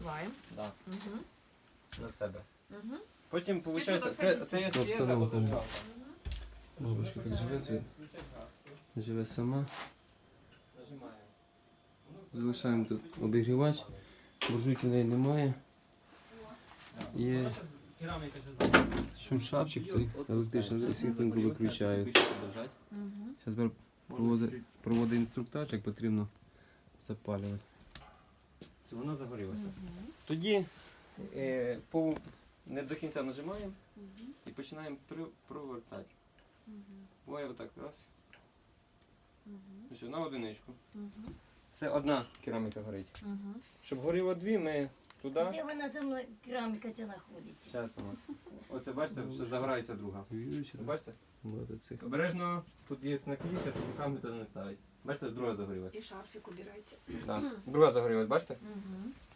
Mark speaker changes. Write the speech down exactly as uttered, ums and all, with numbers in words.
Speaker 1: Нагріваємо.
Speaker 2: Да,
Speaker 1: Угу.
Speaker 2: на себе.
Speaker 1: Угу.
Speaker 2: Потім, виходить,
Speaker 1: що
Speaker 2: це,
Speaker 1: так
Speaker 2: це є
Speaker 3: Тут
Speaker 2: свіжа
Speaker 3: обстановка.
Speaker 2: подержава.
Speaker 3: Бабушка так живе, тут живе сама.
Speaker 2: Нажимаємо.
Speaker 3: Залишаємо тут обігрівач. Буржуйки в неї немає. Є
Speaker 2: Кераміка
Speaker 3: шуршавчик, цей електричний світленько виключають.
Speaker 1: Угу.
Speaker 3: Зараз проводить, проводить інструктаж, як потрібно запалювати.
Speaker 2: Воно загорілося.
Speaker 1: Угу.
Speaker 2: Тоді е, по, не до кінця нажимаємо
Speaker 1: Угу.
Speaker 2: і починаємо при, провертати.
Speaker 1: Угу.
Speaker 2: Буває отак, раз.
Speaker 1: Угу.
Speaker 2: Ось на одиничку.
Speaker 1: Угу.
Speaker 2: Це одна кераміка горить.
Speaker 1: Угу.
Speaker 2: Щоб горіло дві, ми туди.
Speaker 4: Де вона там кераміка ця знаходиться?
Speaker 2: Зараз воно. Оце бачите, все загорається друга.
Speaker 3: Віруючи,
Speaker 2: Ви бачите?
Speaker 3: багато цих.
Speaker 2: Обережно, тут є наклейка, щоб руками туди не ставити. Бачите, друга загорілась.
Speaker 1: І шарфік убирається.
Speaker 2: Да. Друга загорілась, бачите?
Speaker 1: Угу.